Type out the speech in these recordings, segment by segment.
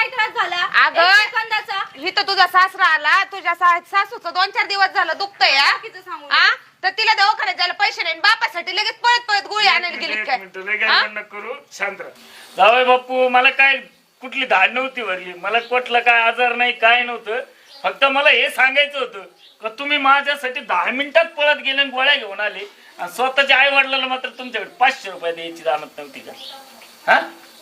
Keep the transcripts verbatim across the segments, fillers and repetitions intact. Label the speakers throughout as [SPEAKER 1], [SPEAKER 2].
[SPEAKER 1] काय त्रास झाला
[SPEAKER 2] अगं,
[SPEAKER 1] एक सेकंदाचा
[SPEAKER 2] इथं तुझा सासरा आला, तुझ्या सा- सासूचं दोन चार दिवस झालं दुखतंय या.
[SPEAKER 1] बाकीचं सांगू
[SPEAKER 2] आ? तर तिला दवाखान्यात जायला पैसे नाही, बापासाठी लगेच पळत पळत गोळी आणायला गेली
[SPEAKER 3] एक
[SPEAKER 2] काय?
[SPEAKER 3] मिनिट लय गडबड नको करू, शांत राहा. जावई बापू, मला काय कुठली धाड नव्हती वरली, मला कुठला काय आजार नाही, काय नव्हतं. फक्त मला हे सांगायचं होतं का तुम्ही माझ्यासाठी दहा मिनिटात पळत गेले आणि गोळ्या घेऊन आले आणि स्वतःच्या आई वडिलांना मात्र तुमच्याकडे पाचशे रुपये द्यायची जाणत नव्हती का? हा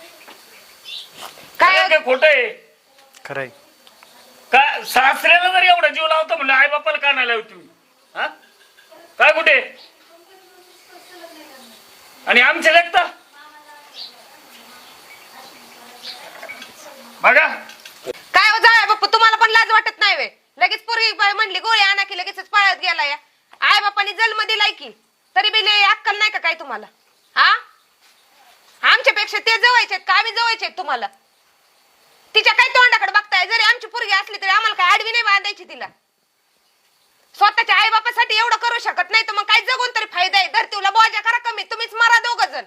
[SPEAKER 3] काय काय खोट आहे
[SPEAKER 4] खरंय.
[SPEAKER 3] का? सासऱ्याला जर एवढा जीव लावतो म्हणलं आई बापाला का नाही लावती? हा काय कुठे आणि आमचे लेखता बघा.
[SPEAKER 2] काय हो जाय बाप्पा, तुम्हाला पण लाज वाटत नाही वे? लगेच पोरगी म्हणली गोळी आणा की लगेच पळत गेला या. आई बापाने जन्म दिलाय की तरी बी लय अक्कल नाही का काय तुम्हाला? हा आमच्यापेक्षा ते जवळचे का आम्ही जवळचे तुम्हाला? तिच्या काय तोंडाकडे बघताय? जरी आमची पोरगी असली तरी आम्हाला काय आडवी नाही बांधायची तिला. स्वतःच्या आई बापासाठी एवढं करू शकत नाही तर मग काय जगून तरी फायदा आहे? धरतीला बोजा करा कमी, तुम्हीच मारा दोघ जण.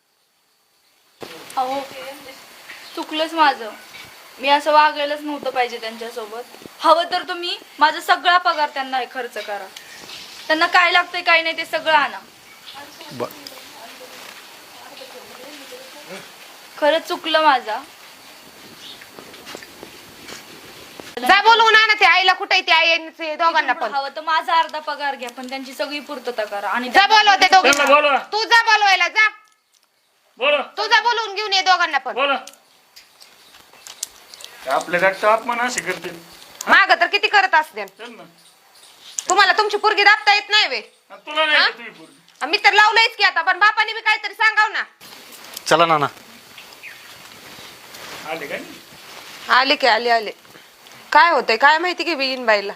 [SPEAKER 1] अहो चुकलंच माझं, मी असं वागायलाच नव्हतं पाहिजे त्यांच्यासोबत. हवं तर तुम्ही माझा सगळा पगार त्यांना खर्च करा, त्यांना काय लागतंय काय नाही ते सगळं आणा. खरंच चुकलं माझा.
[SPEAKER 2] जा बोलवून आणा ते आईला. कुठे ते आई दोघांना पण?
[SPEAKER 1] हवं तर माझा अर्धा पगार घ्या पण त्यांची सगळी पूर्तता करा. आणि
[SPEAKER 2] जा बोलव ते दोघे.
[SPEAKER 3] त्यांना बोलवा.
[SPEAKER 2] तू जा बोलवायला जा.
[SPEAKER 3] बोला
[SPEAKER 2] तू जा बोलवून घेऊन ये दोघांना पण.
[SPEAKER 3] बोला. आपल्या रक्त अपमान असे करते.
[SPEAKER 2] माग तर किती करत असते.
[SPEAKER 3] चल ना.
[SPEAKER 2] तुम्हाला तुमची पोरगी दाबता येत नाही वे?
[SPEAKER 3] आणि तुला नाही
[SPEAKER 2] हा?
[SPEAKER 3] का तुझी पोरगी?
[SPEAKER 2] मी तर लावलंयच की आता, पण बापाने बी काहीतरी सांगाव ना.
[SPEAKER 4] चला नाना.
[SPEAKER 3] आले काय?
[SPEAKER 2] आले की आले आले. काय होतंय काय माहिती की बिन बाईला.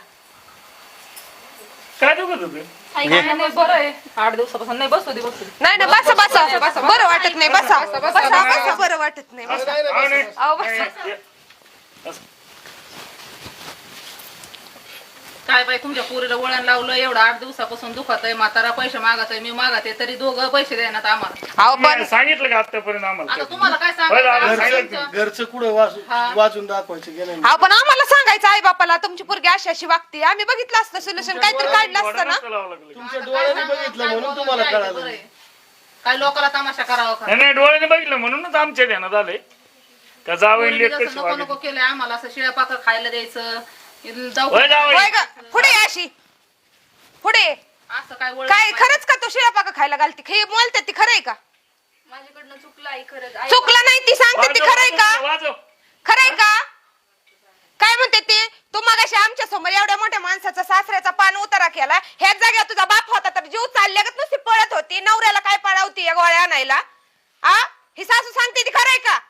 [SPEAKER 3] काय दुखत होतं?
[SPEAKER 5] बरं आहे, आठ दिवसापासून नाही. बसू दे बसू दे.
[SPEAKER 2] नाही ना, बसा बसा, बरं वाटत नाही. बसा बसा बसा, बरं वाटत नाही. बसा.
[SPEAKER 3] हा, नाही.
[SPEAKER 2] अहो, बसा.
[SPEAKER 3] नाही, ये. बस.
[SPEAKER 5] काय बाई तुमच्या पोरीला वळण लावलं, एवढं आठ दिवसापासून दुखत आहे, म्हातारा पैसे मागत आहे, मी मागत आहे, तरी दोघं पैसे देण्यात आम्हाला.
[SPEAKER 2] अहो पण
[SPEAKER 3] तुम्ही सांगितलं का आतापर्यंत आम्हाला?
[SPEAKER 5] आता तुम्हाला काय
[SPEAKER 3] होय दादा,
[SPEAKER 5] सांगायचं?
[SPEAKER 3] सांगितलं
[SPEAKER 5] आमचं-
[SPEAKER 3] तुम्ही.
[SPEAKER 6] घरचं कुठं वाचून वाचून दाखवायचं गेलं
[SPEAKER 2] अहो पण आम्हाला सांगायचं आई बापाला तुमची पोरगी अशी अशी वागते. आम्ही बघितलं असतं सोल्युशन, काहीतरी काढलं असतं ना.
[SPEAKER 3] डोळ्याला लावावं लागलं.
[SPEAKER 6] तुमच्या
[SPEAKER 5] आता
[SPEAKER 6] डोळ्याने
[SPEAKER 5] काय सांगू,
[SPEAKER 6] बघितलं
[SPEAKER 5] काय
[SPEAKER 6] म्हणून
[SPEAKER 5] बोलून
[SPEAKER 6] तुम्हाला
[SPEAKER 5] जायचं
[SPEAKER 6] कळालं.
[SPEAKER 5] बरं आहे. काय लोकाला तमाशा करावा का?
[SPEAKER 3] नाही नाही, डोळ्याने बघितलं म्हणूनच आमच्या ध्यानात आलंय का जावं
[SPEAKER 5] पोरीने
[SPEAKER 3] लेट
[SPEAKER 5] जसं
[SPEAKER 3] कशी
[SPEAKER 5] नको नको
[SPEAKER 3] वागली.
[SPEAKER 5] केलंय आम्हाला, असं शिळ्या पाकर खायला द्यायचं. जाऊ
[SPEAKER 3] होय जावई.
[SPEAKER 2] होय ग, पुढे ये अशी पुढे.
[SPEAKER 5] असं काय वळण
[SPEAKER 2] काय
[SPEAKER 5] पाहिजे.
[SPEAKER 2] खरंच का तू शिळा पाका खायला घालते? हे बोलते ती खरंय का?
[SPEAKER 1] माझ्याकडनं चुकलं आई, खरंच आई.
[SPEAKER 2] चुकलं नाही ती सांगते ती
[SPEAKER 3] वाजव,
[SPEAKER 2] खरंय का?
[SPEAKER 3] वाजव, वाजव.
[SPEAKER 2] खरंय का? काय म्हणते ते? तू मगाशी आमच्या समोर एवढ्या मोठ्या माणसाचा सासऱ्याचा पान उतारा केला. ह्याच जागेवर तुझा बाप होता तर जीव चालल्यागत नुसती पळत होती. नवऱ्याला काय पळावती या गोळ्या आणायला? आ ही सासू सांगते ती खरंय का?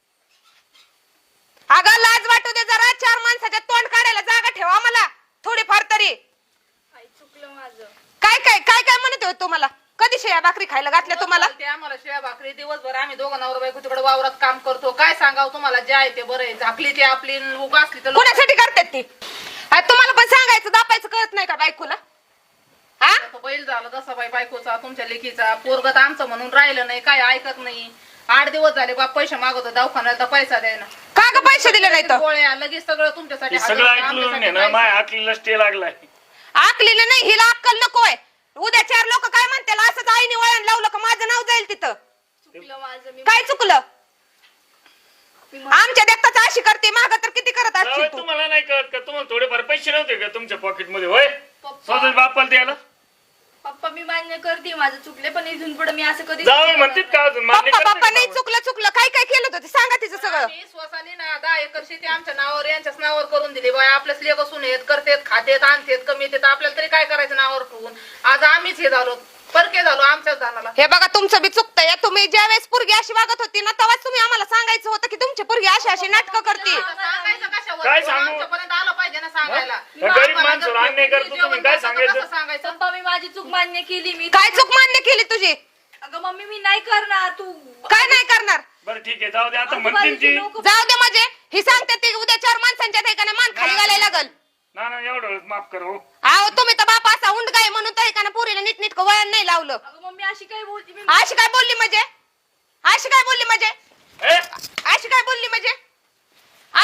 [SPEAKER 2] अगं लाज वाटू दे जरा. चार माणसाच्या तोंड काढायला जागा ठेवा मला थोडीफार तरी.
[SPEAKER 1] आई चुकलं माझं.
[SPEAKER 2] काय काय काय काय म्हणत होते तुम्हाला? कधी शेया भाकरी खायला घातल्या तुम्हाला?
[SPEAKER 5] ते आम्हाला शिळ्या भाकरी दिवसभर आम्ही दोघं नवरा बायको तिकडे वावरात काम करतो. काय सांगावं तुम्हाला, जे आहे ते बरं आहे. झाकली ती आपली, उगा असली तर लोक-
[SPEAKER 2] कोणासाठी करतात ती? आ, तुम्हाला पण सांगायचं दापायचं कळत नाही का बायकोला? हा
[SPEAKER 5] तो बैल झाला तसा बाई बायकोचा, तुमच्या लेकीचा. पोरगत आमचं म्हणून राहिलं नाही, काय ऐकत नाही. आठ दिवस झाले बाप पैसे मागवतो दवाखान्यात, तर पैसा द्यायना.
[SPEAKER 2] का ग पैसे दिले नाही तर?
[SPEAKER 5] गोळ्या लगेच सगळं तुमच्यासाठी
[SPEAKER 3] हे
[SPEAKER 5] हजर
[SPEAKER 3] सगळं
[SPEAKER 5] होतं,
[SPEAKER 3] ऐकलं
[SPEAKER 5] आमच्यासाठी
[SPEAKER 3] नाही ना,
[SPEAKER 5] काहीच
[SPEAKER 3] माय
[SPEAKER 5] नाही.
[SPEAKER 3] आकलीला स्टे लागलाय.
[SPEAKER 2] आकलीला नाही, हिला अक्कल नकोय. उद्या चार लोक काय म्हणतील असंच आईने वळण लावलं का माझं नाव जाईल तिथं.
[SPEAKER 1] चुकलं माझं. मी
[SPEAKER 2] काय चुकलं? आमच्या देखताच अशी करते, माग तर किती करत
[SPEAKER 3] जावई,
[SPEAKER 2] असतील तू.
[SPEAKER 3] तुम्हाला नाही कळत का? तुम्हाला थोडेफार पैसे नव्हते का तुमच्या पॉकेट मध्ये? होय
[SPEAKER 1] पप्पा
[SPEAKER 3] स्वतः बापाला द्यायला
[SPEAKER 1] पप्पा मी मान्य करते माझं चुकले, पण इथून पुढे मी असं कधी
[SPEAKER 3] जावई म्हणतात का अजून? मान्य
[SPEAKER 2] पप्पा
[SPEAKER 3] करते
[SPEAKER 2] पप्पा
[SPEAKER 3] का
[SPEAKER 2] नाही
[SPEAKER 3] जावई?
[SPEAKER 2] चुकलं चुकलं काय काय केलं होतं ते सांगा तिचं सगळं.
[SPEAKER 5] आम्ही स्वसाने ना दहा एकर शेती आमच्या नावावर, यांच्याच नावावर करून दिली. बाय आपल्याच लेख असून येत करतेत, खातेत, आणतेत, कमी येतात. आपल्याला तरी काय करायचं नावावर ठेवून? आज आम्हीच हे झालो, परके झालो आमच्याच धानाला.
[SPEAKER 2] हे बघा तुमचं बी चुकतंय. तुम्ही ज्या वेळेस पोरगी अशी वागत होती ना तेव्हाच तुम्ही आम्हाला सांगायचं होतं की तुमची पोरगी अशी अशी नाटकं करते.
[SPEAKER 5] सांगायचं कशावर?
[SPEAKER 3] काय सांगू?
[SPEAKER 5] आमच्यापर्यंत आलं पाहिजे ना सांगायला.
[SPEAKER 3] त्या गरीब माणसाला अन्याय करतो तुम्ही, काय सांगायचं?
[SPEAKER 5] कसं सांगायचं?
[SPEAKER 1] पप्पा मी माझी चूक मान्य केली. मी
[SPEAKER 2] काय चूक मान्य केली तुझी?
[SPEAKER 1] अगं मम्मी मी नाही करणार. तू
[SPEAKER 2] काय नाही करणार?
[SPEAKER 3] बरं ठीक आहे, जाऊ दे. आता म्हणतील
[SPEAKER 1] आजूबाजूची
[SPEAKER 3] ती
[SPEAKER 1] लोकं-
[SPEAKER 2] जाऊ दे म्हणजे ही सांगते ती उद्या चार माणसांच्या ठिकाणी मान खाली घालायला लागल.
[SPEAKER 3] ना ना एवढं वेळेस माफ कर हो.
[SPEAKER 2] अहो तुम्ही तर बाप असा उंड काय म्हणून तर एकानं पोरीला नीट नीट वळण नाही लावलं.
[SPEAKER 1] अगं मम्मी अशी काय बोलती? मी
[SPEAKER 2] अशी काय बोलली म्हणजे? अशी काय बोलली म्हणजे?
[SPEAKER 3] ए,
[SPEAKER 2] अशी काय बोलली म्हणजे?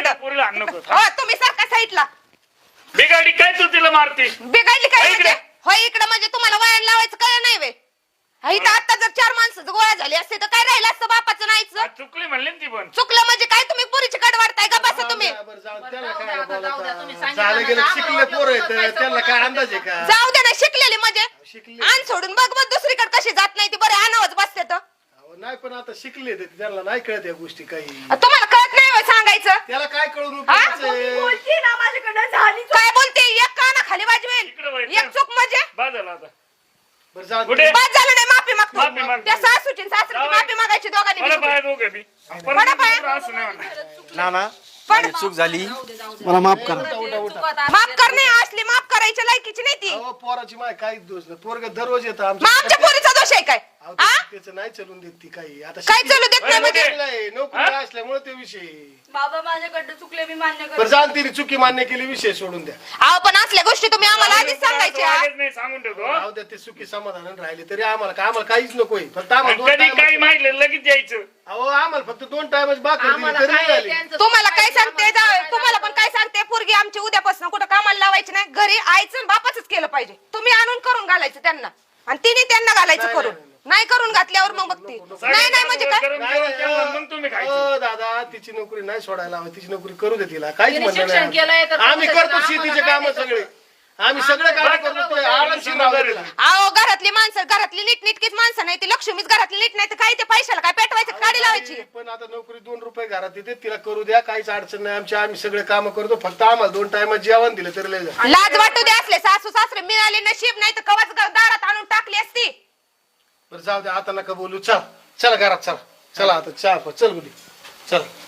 [SPEAKER 2] इकडं
[SPEAKER 3] पोरीला हाण नको
[SPEAKER 2] हो तुम्ही सारखा साईडला
[SPEAKER 3] बिगाडी काय तू तिला मारते
[SPEAKER 2] बिघडली काय
[SPEAKER 3] हो इकडे.
[SPEAKER 2] म्हणजे होय इकडं म्हणजे तुम्हाला वळण लावायचं काय नाही वे इथं आता जर चार माणसं गोळा झाली असते तर काय राहिलं असतं बापाचं नाहीच
[SPEAKER 3] चुकली म्हणले ना ती पण
[SPEAKER 2] चुकलं म्हणजे काय तुम्ही पुरीची कड वाढताय का बसा तुम्ही
[SPEAKER 6] बरं, जाऊ दे, त्याला
[SPEAKER 5] जाऊ
[SPEAKER 6] काय
[SPEAKER 5] द्या, आता जाऊ द्या, तुम्ही
[SPEAKER 6] बोलता?
[SPEAKER 5] सांगितलं
[SPEAKER 6] झालं
[SPEAKER 5] ना,
[SPEAKER 6] गेलं
[SPEAKER 5] आम्हाला
[SPEAKER 6] शिकले पोरं
[SPEAKER 5] वाटलं
[SPEAKER 6] आहेत
[SPEAKER 5] पैसा
[SPEAKER 6] त्यांना काय
[SPEAKER 5] बोलून
[SPEAKER 6] अंदाज आहे का
[SPEAKER 2] जाऊ दे ना शिकलेली म्हणजे
[SPEAKER 6] शिकले
[SPEAKER 2] आण सोडून बघ बघ दुसरीकडे कशी जात नाही ती बरे आणावच बसते तर
[SPEAKER 6] अहो, नाही पण आता शिकले ते त्यांना नाही कळत या गोष्टी काही
[SPEAKER 2] तुम्हाला कळत नाही होय सांगायचं
[SPEAKER 6] त्याला काय कळून
[SPEAKER 2] हा?
[SPEAKER 6] उपयोगाचं आहे?
[SPEAKER 1] बोलती ना माझ्याकडनं झाली
[SPEAKER 2] काय बोलते एक काना खाली
[SPEAKER 3] इकडं
[SPEAKER 2] वाजवेल
[SPEAKER 3] वळ,
[SPEAKER 2] एक चूक म्हणजे
[SPEAKER 3] बाद झाला आता
[SPEAKER 6] बरं जाऊ दे.
[SPEAKER 3] कुठे?
[SPEAKER 2] बाद झालं नाही माफी
[SPEAKER 3] माफी
[SPEAKER 2] मागतो
[SPEAKER 3] मागतो.
[SPEAKER 2] त्या सासूची सासरीची
[SPEAKER 3] जाऊ.
[SPEAKER 2] माफी मागायची दोघांनी
[SPEAKER 3] मला
[SPEAKER 2] मिळून.
[SPEAKER 3] पाय दोघे बी आपण
[SPEAKER 2] पडा पाय.
[SPEAKER 3] असं नाही म्हणणार.
[SPEAKER 4] नाना
[SPEAKER 2] पण
[SPEAKER 4] माझी चूक झाली
[SPEAKER 6] मला माफ करा
[SPEAKER 2] माफ करणे असली माफ करायच्या लायकीची नाही ती
[SPEAKER 6] अहो पोराची माय काहीच दोष नाही पोरग दररोज येतं
[SPEAKER 2] मग आमच्या पोरीचा दोष आहे काय
[SPEAKER 6] अहो,
[SPEAKER 2] हा
[SPEAKER 6] त्याचं नाही चलून देत ती काही आता
[SPEAKER 2] काय
[SPEAKER 6] शिकली-
[SPEAKER 2] चालू देत नाही म्हणजे
[SPEAKER 6] शिकलेलं आहे, नोकरी असल्यामुळे ते विषय
[SPEAKER 1] बाबा माझ्याकडनं चुकले मी मान्य
[SPEAKER 6] बरं
[SPEAKER 1] करते
[SPEAKER 6] जाण तिने चुकी मान्य केली विषय सोडून द्या
[SPEAKER 2] अहो पण असल्या गोष्टी तुम्ही आम्हाला आधीच सांगायच्या
[SPEAKER 3] वागत नाही सांगून ठेवतो
[SPEAKER 6] राहू द्या ते चुकी समाधान राहिले तरी आम्हाला काय आम्हाला काहीच नकोय फक्त आम्हाला दोन
[SPEAKER 3] कधी
[SPEAKER 6] time-
[SPEAKER 3] काही माहिती लगेच यायचं
[SPEAKER 6] अहो आम्हाला फक्त दोन टाइमच बाकी
[SPEAKER 5] आम्हाला
[SPEAKER 6] तरी
[SPEAKER 5] काय
[SPEAKER 6] झाली
[SPEAKER 5] त्यांचं
[SPEAKER 2] तुम्हाला काय
[SPEAKER 5] चुकायचं,
[SPEAKER 2] सांगते
[SPEAKER 5] आम्हाला
[SPEAKER 2] जावई,
[SPEAKER 5] काय
[SPEAKER 2] तुम्हाला पण काय सांगते पोरगी आमची उद्यापासून कुठं कामाला लावायची नाही घरी आईचं बापाच केलं पाहिजे तुम्ही आणून करून घालायचं त्यांना आणि तिने त्यांना घालायचं
[SPEAKER 6] नाही,
[SPEAKER 2] करून
[SPEAKER 6] नाही,
[SPEAKER 2] नाही करून घातल्यावर मग बघते नाही नाही म्हणजे काय
[SPEAKER 3] गरम जेवण केलं मग तुम्ही खायचं
[SPEAKER 6] अहो, दादा तिची नोकरी नाही सोडायला हवी तिची नोकरी करू दे तिला काहीच
[SPEAKER 5] तिने
[SPEAKER 6] म्हणणं
[SPEAKER 5] शिक्षण केलंय तर
[SPEAKER 6] नाही आम्ही
[SPEAKER 5] करू दे
[SPEAKER 6] करतो
[SPEAKER 5] तिला,
[SPEAKER 6] शेतीचे
[SPEAKER 5] आम्हाला
[SPEAKER 6] काम
[SPEAKER 5] काय
[SPEAKER 6] सगळे आम्ही सगळे काम
[SPEAKER 5] आम्हाला
[SPEAKER 6] करतो
[SPEAKER 5] सगळं
[SPEAKER 6] ते आरामशीर राहू दे तिला.
[SPEAKER 2] अहो घरातली माणसं घरातली नीटनीटकीच माणसं नाही ती लक्ष्मीच घरातली नीट नाही तर काय ते पैशाला काय पेटवायचं काढी लावायची
[SPEAKER 6] पण आता नोकरी दोन रुपये घरात येते तिला करू द्या काहीच अडचण नाही आमची आम्ही सगळे काम करतो फक्त आम्हाला दोन टायमात जेवण दिलं तरी लय झालं.
[SPEAKER 2] लाज वाटू दे असले सासू सासरे मिळाले नशीब नाही तर कवाच दारात आणून टाकली असती
[SPEAKER 6] बरं जाऊ द्या आता नका बोलू चल चला घरात चला चला आता चहा प- चल बुडी चल